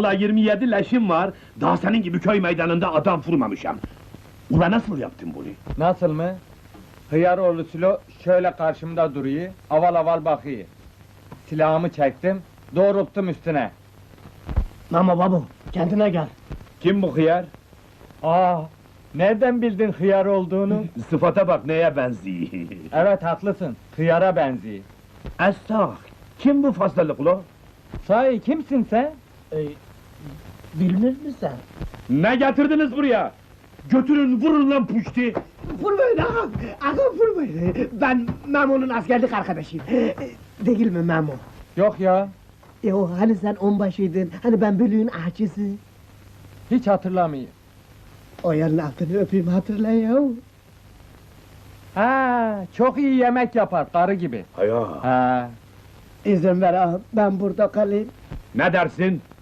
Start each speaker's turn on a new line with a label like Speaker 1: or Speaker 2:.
Speaker 1: Ula 27 leşim var, daha senin gibi köy meydanında adam vurmamışım. Ula nasıl yaptın bunu?
Speaker 2: Nasıl mı? Hıyaroğlu Sülo şöyle karşımda duruyor, aval aval bakıyor. Silahımı çektim, doğrulttum üstüne.
Speaker 3: Mamo babu, kendine gel.
Speaker 2: Kim bu hıyar? Aa, nereden bildin hıyar olduğunu?
Speaker 1: Sıfata bak neye benziyor.
Speaker 2: Evet haklısın, hıyara benziyor.
Speaker 1: Estağ, kim bu fazlalık ula?
Speaker 2: Sahi kimsin sen?
Speaker 3: Bilmir misin?
Speaker 1: Ne getirdiniz buraya? Götürün vurun lan puşti!
Speaker 3: Vurmayın ağam, ağam vurmayın. Ben Memo'nun askerlik arkadaşıyım. Değil mi Memo?
Speaker 2: Yok ya,
Speaker 3: O hani sen onbaşıydın, hani ben bölüğün ahçısı.
Speaker 2: hiç hatırlamıyorum.
Speaker 3: O yerin altını öpeyim hatırla ya.
Speaker 2: Ha, çok iyi yemek yapar, karı gibi.
Speaker 1: Haya!
Speaker 2: Ha,
Speaker 3: İzin ver ağam, ben burada kalayım.
Speaker 1: Ne dersin?